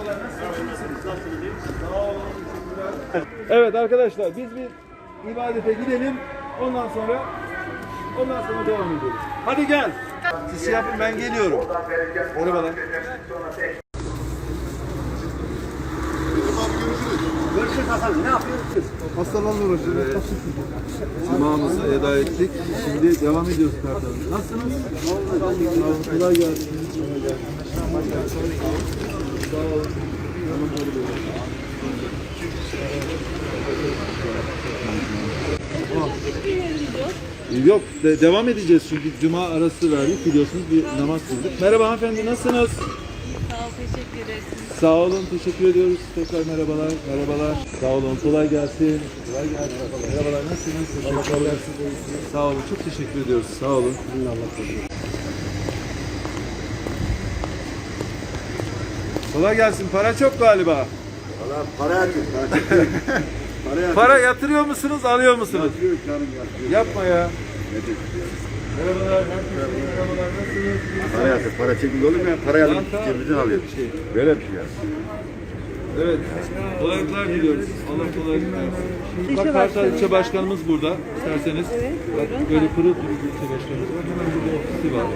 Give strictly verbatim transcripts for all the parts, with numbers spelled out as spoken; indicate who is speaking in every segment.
Speaker 1: Merhabalar, nasılsınız? Sağ olun, teşekkürler. Evet arkadaşlar, biz bir ibadete gidelim. Ondan sonra ondan sonra devam edelim. Hadi gel. Siz şey yapın, ben geliyorum. Merhabalar.
Speaker 2: Görüşürüz Hasan. Ne yapıyorsunuz?
Speaker 1: Hastalarla uğraşıyoruz. Evet. Cuma'mızı eda ettik. Şimdi devam ediyoruz kartalım. Nasılsınız? Vallahi kolay gelsin. Kolay gelsin. Sağ olun. Yok, de, devam edeceğiz çünkü cuma arası verdik, biliyorsunuz bir namaz kıldık. Merhaba hanımefendi, nasılsınız?
Speaker 3: Sağ ol, teşekkür ederiz.
Speaker 1: Sağ olun, teşekkür ediyoruz. Tekrar merhabalar, merhabalar. Sağ olun, kolay gelsin. Kolay gelsin. Merhabalar, nasılsınız? Teşekkürler. Sağ olun, çok teşekkür ediyoruz. Sağ olun. Kolay gelsin. Para çok galiba.
Speaker 2: Valla para yatıyor. Para yatıyor. Para yatıyor.
Speaker 1: Para yatırıyor musunuz, alıyor musunuz?
Speaker 2: Yatıyor canım yatıyor.
Speaker 1: Yapma ya.
Speaker 2: Nedir?
Speaker 1: Merhabalar, herkese merhabalar. Nasılsınız?
Speaker 2: Para yatıyor. Para çekildi olur mu ya? Para yatıyor.
Speaker 1: Banka,
Speaker 2: Cebimizden alıyor.
Speaker 1: bir şey.
Speaker 2: Böyle bir şey ya.
Speaker 1: Evet, kolaylıklar diliyoruz. Allah kolaylık versin. Bak Kartal İlçe Başkanımız burada, isterseniz. Bak böyle pırıl pırıl ilçe başkanımız var. Hemen burada ofisi var.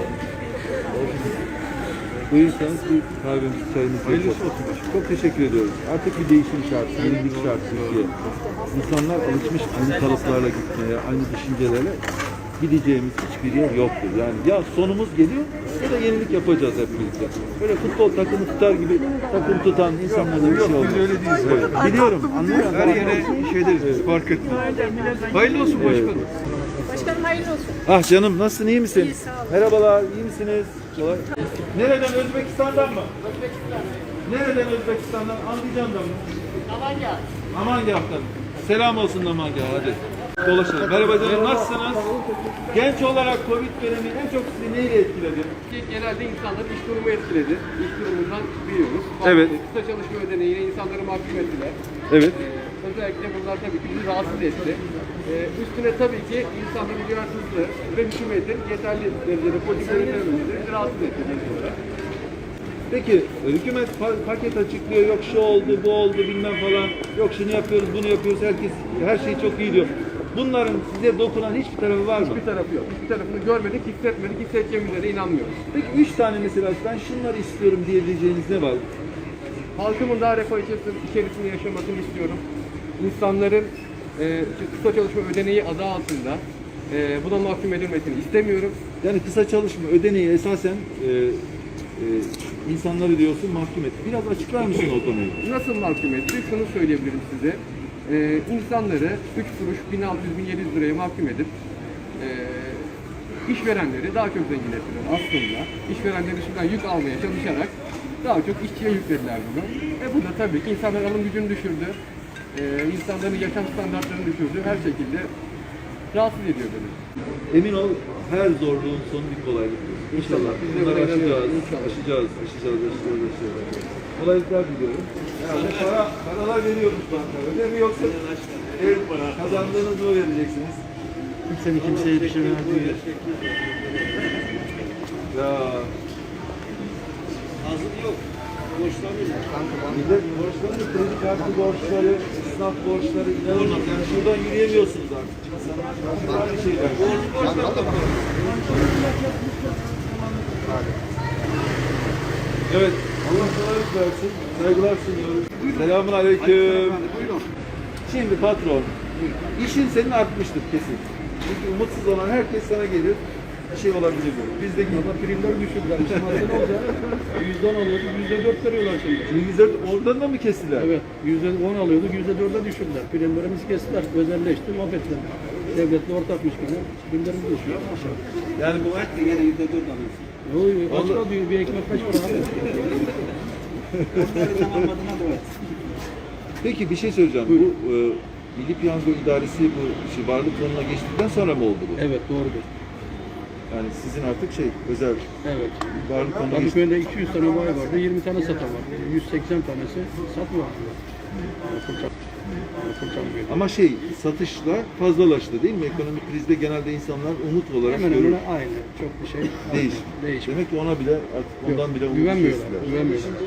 Speaker 1: Buyursanız bir kahvemiz, çayımız yapalım. Çok teşekkür ediyoruz. Artık bir değişim şart, yenilik şart Türkiye. İnsanlar alışmış aynı kalıplarla gitmeye, aynı düşüncelerle. Gideceğimiz hiçbir yer yoktur. Yani ya sonumuz geliyor ya da yenilik yapacağız hep birlikte. Böyle futbol takımı tutar gibi takım tutan insanlarla bir şey olmaz. Biz öyle değiliz. Evet. Biliyorum, anlıyorum. Her yere şey deriz biz, fark etmez. Hayırlı olsun başkanım.
Speaker 3: Başkanım hayırlı olsun.
Speaker 1: Ah canım, nasılsın, iyi misin?
Speaker 3: İyi, sağ olun.
Speaker 1: Merhabalar, iyi misiniz? Kolay. Nereden, Özbekistan'dan mı? Özbekistan. Nereden Özbekistan'dan? Andijan'dan mı?
Speaker 3: Amanya.
Speaker 1: Amangah'tan. Selam olsun Amangah, hadi. Dolaşalım. Merhaba canım, nasılsınız? Genç olarak Covid dönemi en çok sizi neyle etkiledi?
Speaker 4: Genelde insanları iş durumu etkiledi. İş durumundan biliyoruz.
Speaker 1: Evet.
Speaker 4: Kısa çalışma ödeneğiyle insanları mahkum ettiler.
Speaker 1: Evet.
Speaker 4: Ee, özellikle bunlar tabii ki bizi rahatsız etti. Ee, üstüne tabii ki insanların duyarsızlığı ve hükümetin yeterli derecede politik yönetememesi bizi rahatsız etti.
Speaker 1: Peki hükümet pa- paket açıklıyor, yok şu oldu, bu oldu bilmem falan, yok şunu yapıyoruz, bunu yapıyoruz, herkes her şey çok iyi diyor. Bunların size dokunan hiçbir tarafı var mı?
Speaker 4: Hiçbir tarafı yok. Hiçbir tarafını görmedik, hissetmedik, hissedeceğimize de inanmıyoruz.
Speaker 1: Peki üç tane mesela ben şunları istiyorum diyebileceğiniz ne var?
Speaker 4: Halkımın daha refah içerisinde, içerisinde yaşamasını istiyorum. İnsanların e, kısa çalışma ödeneği adı altında e, buna mahkum edilmesini istemiyorum.
Speaker 1: Yani kısa çalışma ödeneği esasen e, e, insanları diyorsun mahkum etti. Biraz açıklar mısın o konuyu?
Speaker 4: Nasıl mahkum etti? Şunu söyleyebilirim size. Ee, insanları üç kuruş bin altı yüz bin yedi yüz liraya mahkum edip e, işverenleri daha çok zengin ettiler aslında. İşverenlerin üstünden yük almaya çalışarak daha çok işçiye yüklediler bunu. E bu da tabii ki insanların alım gücünü düşürdü. E, insanların yaşam standartlarını düşürdü. Her şekilde rahatsız ediyor beni.
Speaker 1: Emin ol her zorluğun sonu bir kolaylık. İnşallah.
Speaker 4: Biz de
Speaker 1: Bunları
Speaker 4: buna
Speaker 1: aşacağız,
Speaker 4: inanıyoruz. İnşallah.
Speaker 1: aşacağız, aşacağız, aşacağız, aşacağız. Kolaylıklar diliyorum. Yani para, paralar veriyormuş banka. Öyle mi yoksa ev kazandığınızı mı vereceksiniz?
Speaker 2: Kimsenin kimseyi düşürmez diyor.
Speaker 1: Ya
Speaker 2: Ağzım yok. Borçlanmıyor.
Speaker 1: millet borçları, kredi kartı borçları, esnaf borçları inanılmaz. Yani şuradan yürüyemiyorsunuz artık. İnsanlar farklı şeyler. Evet, Allah kolaylık versin. Saygılar sunuyoruz. Selamun aleyküm. Şimdi patron, işin senin artmıştır kesin. Çünkü umutsuz olan herkes sana gelir. Bir şey olabilir mi? Bizdeki
Speaker 5: Ama primleri düşürdüler. Şimdi aslında ne olacak? yüzde on alıyorduk, yüzde dört veriyorlar şimdi.
Speaker 1: yüzde oradan da mı kestiler?
Speaker 5: Evet, yüzde on alıyorduk, yüzde dörde düşürdüler. Primlerimizi kestiler, özelleşti, mahvettiler. Devletle ortakmış gibi primlerimiz düşüyor.
Speaker 1: Yani bu
Speaker 2: Et de gene yüzde dört alıyorsun.
Speaker 5: Yo, yo, kaç para diyor, bir ekmek kaç para abi?
Speaker 2: Onları zamanladığına da evet.
Speaker 1: Peki bir şey söyleyeceğim. Bu e, Milli Piyango İdaresi bu şey, varlık fonuna geçtikten sonra mı oldu bu?
Speaker 5: Evet, doğrudur.
Speaker 1: Yani sizin artık şey özel
Speaker 5: Evet.
Speaker 1: varlık fonuna geçti.
Speaker 5: Kadıköy'de iki yüz tane bayi vardı, yirmi tane satan var. yüz seksen tanesi satmıyor.
Speaker 1: Ama şey satışla fazlalaştı değil mi? Ekonomik krizde genelde insanlar umut olarak
Speaker 5: Hemen
Speaker 1: görür.
Speaker 5: hemen aynı. Çok bir şey
Speaker 1: Değiş.
Speaker 5: değişmiyor.
Speaker 1: Demek ki ona bile artık ondan bile umut
Speaker 5: Güvenmiyorlar,
Speaker 1: kestiler.
Speaker 5: güvenmiyorlar.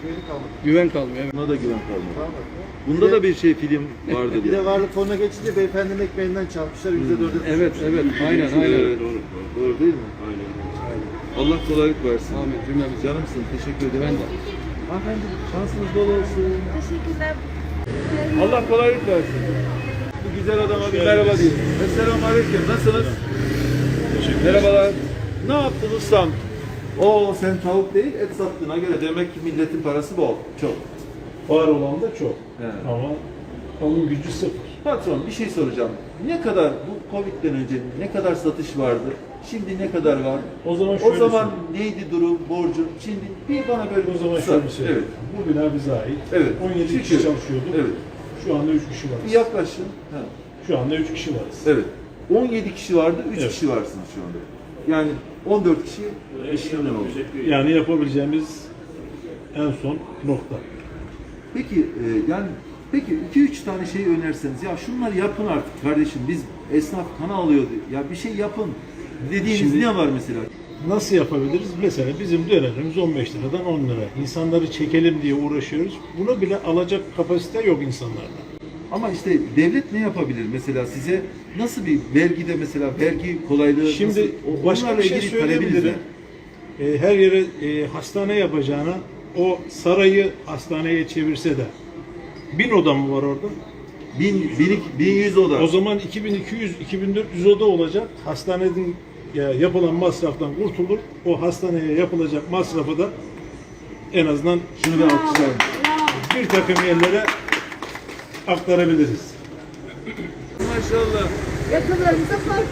Speaker 5: Güven kalmıyor. Evet.
Speaker 1: Buna da güven kalmadı. Bunda da bir şey film vardı
Speaker 2: Bir
Speaker 1: diye.
Speaker 2: de varlık fonuna geçince beyefendinin ekmeğinden çalmışlar yüzde dörde.
Speaker 5: Evet, evet. Aynen, aynen.
Speaker 1: Evet, doğru. Doğru değil mi? Aynen. Allah kolaylık versin.
Speaker 5: Amin. Cümlemize.
Speaker 1: Canımsın. Teşekkür ederim.
Speaker 5: Ben de.
Speaker 1: Hanımefendi şansınız bol olsun.
Speaker 3: Teşekkürler.
Speaker 1: Allah kolaylık versin. Bu güzel adama bir merhaba diyeyim. Esselamu Aleyküm. Nasılsınız? Merhabalar. Ne yaptın ustam? Oo sen tavuk değil et sattığına göre demek ki milletin parası bol. Çok.
Speaker 6: Var olan da çok.
Speaker 1: He.
Speaker 6: Ama onun gücü sıfır.
Speaker 1: Patron bir şey soracağım. Ne kadar bu Covid'den önce ne kadar satış vardı? Şimdi ne kadar var?
Speaker 6: O zaman
Speaker 1: O
Speaker 6: şöyle
Speaker 1: zaman neydi durum, borcun? Şimdi bir bana böyle
Speaker 6: O zaman
Speaker 1: kısa-
Speaker 6: şöyle söyleyeyim.
Speaker 1: Evet.
Speaker 6: Bu bina bize ait.
Speaker 1: Evet.
Speaker 6: on yedi kişi
Speaker 1: Şükür.
Speaker 6: çalışıyorduk.
Speaker 1: Evet.
Speaker 6: Şu anda üç kişi
Speaker 1: Bir
Speaker 6: varız.
Speaker 1: yaklaşın. Ha.
Speaker 6: Şu anda üç kişi varız.
Speaker 1: Evet. on yedi kişi vardı, üç
Speaker 6: Evet.
Speaker 1: kişi varsınız şu anda. Yani on dört kişi işlemden oldu.
Speaker 6: Yani yapabileceğimiz en son nokta.
Speaker 1: Peki e, yani peki iki üç tane şey önerseniz ya şunları yapın artık kardeşim biz esnaf kana alıyordu. Ya bir şey yapın dediğiniz
Speaker 6: Şimdi-
Speaker 1: ne var mesela?
Speaker 6: Nasıl yapabiliriz? Mesela bizim dönerimiz on beş liradan on lira. İnsanları çekelim diye uğraşıyoruz. Bunu bile alacak kapasite yok insanlarda.
Speaker 1: Ama işte devlet ne yapabilir mesela size nasıl bir vergide mesela vergi kolaylığı
Speaker 6: Şimdi
Speaker 1: nasıl, o-
Speaker 6: başka
Speaker 1: onlarla
Speaker 6: bir şey
Speaker 1: ilgili talebiniz
Speaker 6: söyleyebilirim.
Speaker 1: ne?
Speaker 6: E, her yere e, hastane yapacağına o sarayı hastaneye çevirse de bin oda mı var orada?
Speaker 1: Bin, bin, bin yüz oda.
Speaker 6: O zaman iki bin iki yüz iki bin dört yüz oda olacak. Hastanenin ya, yapılan masraftan kurtulur. O hastaneye yapılacak masrafı da en azından
Speaker 1: Şunu bir alkışlayalım.
Speaker 6: bir takım yerlere aktarabiliriz.
Speaker 1: Maşallah.
Speaker 3: Yakınlarınıza fark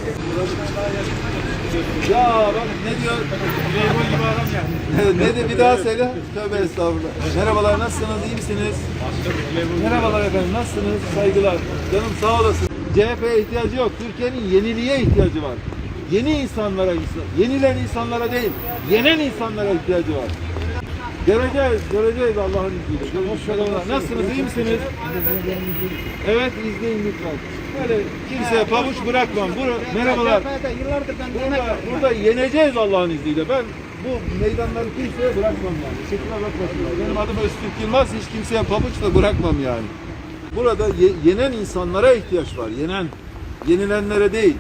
Speaker 1: Ya bak ne diyor? Memur gibi adam ya. Ne de bir daha söyle. Tövbe estağfurullah. Merhabalar nasılsınız? İyi misiniz? Merhabalar efendim nasılsınız? Saygılar. Canım sağ olasın. C H P'ye ihtiyacı yok. Türkiye'nin yeniliğe ihtiyacı var. Yeni insanlara, insan, yenilen insanlara değil, yenen insanlara ihtiyacı var. Göreceğiz, göreceğiz Allah'ın izniyle. Merhabalar. Nasılsınız? İyi misiniz? Evet, izleyin lütfen. Böyle kimseye pabuç bırakmam. Bur merhabalar. Burada, burada yeneceğiz Allah'ın izniyle. Ben bu meydanları kimseye bırakmam yani. Şekline bakmasınlar. Benim adım Öztürk Yılmaz. Hiç kimseye pabuç da bırakmam yani. Burada ye yenen insanlara ihtiyaç var. Yenen. Yenilenlere değil.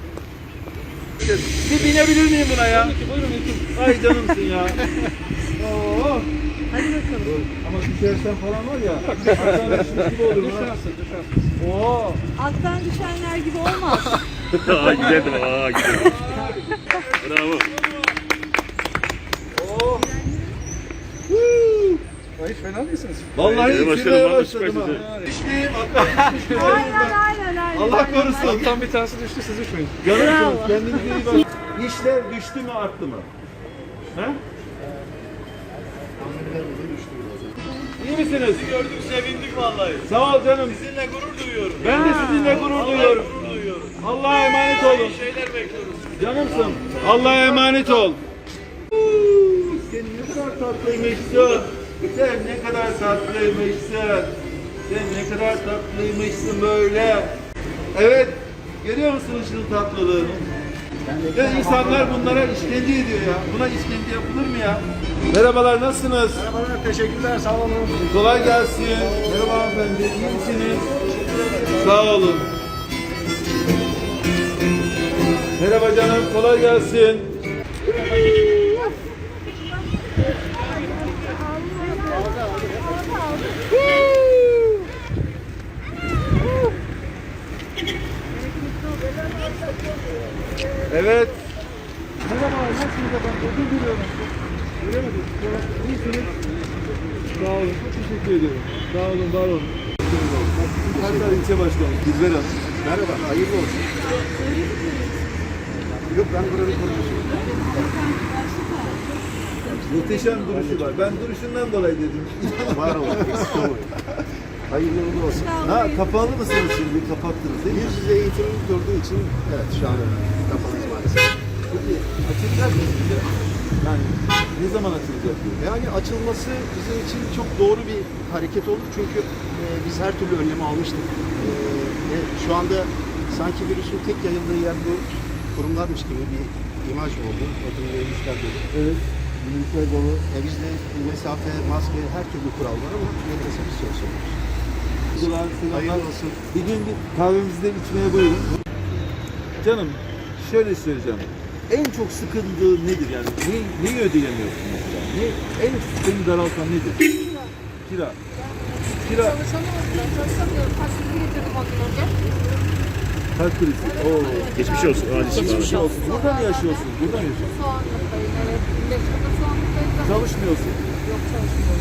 Speaker 1: Bir binebilir miyim buna ya? Ay canımsın ya. Oo.
Speaker 3: Hadi bakalım.
Speaker 1: Ama düşersen falan var ya. Hastanın işiniz gibi olur.
Speaker 5: Düşersin, düşersin.
Speaker 1: Oo.
Speaker 3: Alttan düşenler gibi olmaz.
Speaker 7: Aa gidelim, aa gidelim. Bravo.
Speaker 1: Oo.
Speaker 5: Hiç fena değilsiniz.
Speaker 1: Vallahi
Speaker 7: Ee, başkanım,
Speaker 1: içmeye
Speaker 7: bak,
Speaker 1: başladım
Speaker 7: süper
Speaker 1: ha. Düşmeyeyim, atlar düşmeyeyim.
Speaker 3: aynen aynen aynen.
Speaker 1: Allah
Speaker 3: aynen,
Speaker 1: korusun.
Speaker 3: aynen.
Speaker 5: Alttan bir tanesi düştü, siz düşmeyin.
Speaker 1: Canımsınız,
Speaker 3: Bravo.
Speaker 1: kendinize iyi bakın. İşler düştü mü arttı mı? He? İyi misiniz? Sizi gördük sevindik vallahi. Sağ ol canım. Sizinle gurur duyuyorum. Ben de sizinle gurur duyuyorum. Allah'a emanet olun. şeyler bekliyoruz. Canımsın. Allah'a emanet ol. Sen ne kadar tatlıymışsın. Sen ne kadar tatlıymışsın. Sen ne kadar tatlıymışsın böyle. Evet. Görüyor musunuz şu tatlılığını? Ve insanlar bunlara işkence ediyor ya. Buna işkence yapılır mı ya? Merhabalar, nasılsınız?
Speaker 2: Merhabalar, teşekkürler, sağ olun.
Speaker 1: Kolay gelsin. Merhaba hanımefendi, iyi misiniz? Sağ olun. Merhaba canım, kolay gelsin. Evet. Merhaba, nasılsınız efendim? Özür diliyorum. Göremedim. İyisiniz. Sağ olun, çok teşekkür ediyorum. Sağ olun, var olun. Kayseri İlçe Başkanı, Dilber Hanım.
Speaker 2: Merhaba, hayırlı olsun. Yok, ben buranın konuşuyorum.
Speaker 1: Muhteşem duruşu var. Ben duruşundan dolayı dedim.
Speaker 2: Var olun, eksik olmayın. Hayırlı uğurlu olsun.
Speaker 1: Ha, kapalı mısınız şimdi? Kapattınız değil mi?
Speaker 2: Yüz yüze eğitimimiz durduğu için, evet şu an kapalıyız maalesef.
Speaker 1: Peki, açılacak mı şimdi? Yani ne zaman açılacak diyor?
Speaker 2: Yani açılması bizim için çok doğru bir hareket olur çünkü e, biz her türlü önlemi almıştık. E, ve şu anda sanki virüsün tek yayıldığı yer bu kurumlarmış gibi bir imaj oldu. Ödül vermişler dedi.
Speaker 1: Evet. Minibüsler dolu.
Speaker 2: E, bizde mesafe, maske, her türlü kural var ama yine de biz çalışıyoruz.
Speaker 1: Selamlar, selamlar.
Speaker 2: Hayırlı olsun.
Speaker 1: Bir gün bir kahvemizde içmeye buyurun. Canım şöyle söyleyeceğim. En çok sıkıntığı nedir yani? Ne, neyi ödeyemiyorsun mesela? Ne, en seni daraltan nedir? Kira. Kira. Kira.
Speaker 3: Çalışamıyorum. Çalışamıyorum. Taksiti getirdim ondan önce.
Speaker 1: Kalp krizi. Oo.
Speaker 7: Geçmiş olsun. Acil şifa.
Speaker 1: Geçmiş olsun. Burada mı yaşıyorsun? Burada mı yaşıyorsun?
Speaker 3: Soğanlıktayım. Evet. Birleşik'te soğanlıktayım.
Speaker 1: Çalışmıyorsun.
Speaker 3: Yok çalışmıyorum.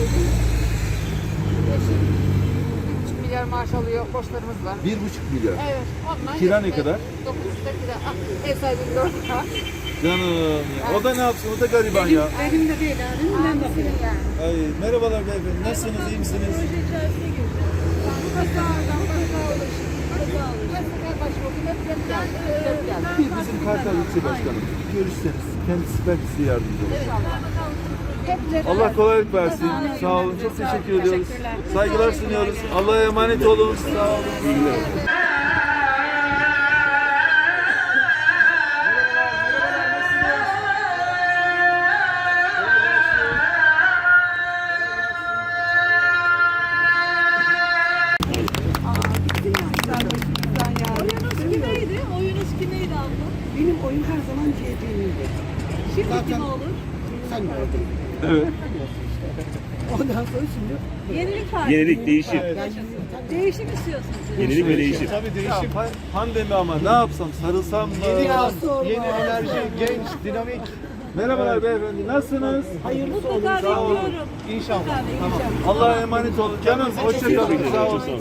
Speaker 3: Eşim bir buçuk milyar maaş alıyor. Borçlarımız var.
Speaker 1: Bir buçuk milyar.
Speaker 3: Evet. Ondan
Speaker 1: Kira ne
Speaker 3: yetmez.
Speaker 1: kadar?
Speaker 3: Dokuz yüz lira kira. Ah, ev sahibim dört lira.
Speaker 1: Canım ya. O da ne yapsın? O da gariban ya.
Speaker 3: Benim de değil yani. Ben bakıyorum yani.
Speaker 1: Ay, merhabalar beyefendi. Nasılsınız? İyi misiniz?
Speaker 3: Proje içerisine girdim. Kaza aldım. Kaza alışım. Kaza alışım. Her sefer başvurdum. Hep hep geldi. Hep geldi.
Speaker 1: Bir bizim Kartal İlçe Başkanım. Görüşseniz kendisi belki size yardımcı olur.
Speaker 3: İnşallah.
Speaker 1: Allah kolaylık versin. Sağ olun. Çok teşekkür ediyoruz. Saygılar sunuyoruz. Allah'a emanet olun. Sağ olun.
Speaker 3: Oyunuz kimeydi? Oyunuz kimeydi abla?
Speaker 8: Benim oyun her zaman C H P'liydi.
Speaker 3: Şimdi kim olur?
Speaker 8: Sen mi oldun?
Speaker 1: Evet.
Speaker 8: Ondan sonra şimdi
Speaker 3: Yenilik var.
Speaker 7: Yenilik, değişim.
Speaker 3: Değişim istiyorsunuz.
Speaker 7: Yenilik ve değişim.
Speaker 2: Tabii değişim.
Speaker 1: Ya, pan- pandemi ama ne yapsam? Sarılsam mı?
Speaker 2: Yeni yaz, yeni enerji, genç, dinamik.
Speaker 1: Merhabalar beyefendi. Nasılsınız?
Speaker 3: Mutlaka bekliyorum.
Speaker 2: İnşallah.
Speaker 3: Mutlaka bekliyorum.
Speaker 1: Allah'a emanet olun. Canım hoşça kalın. Sağ olun.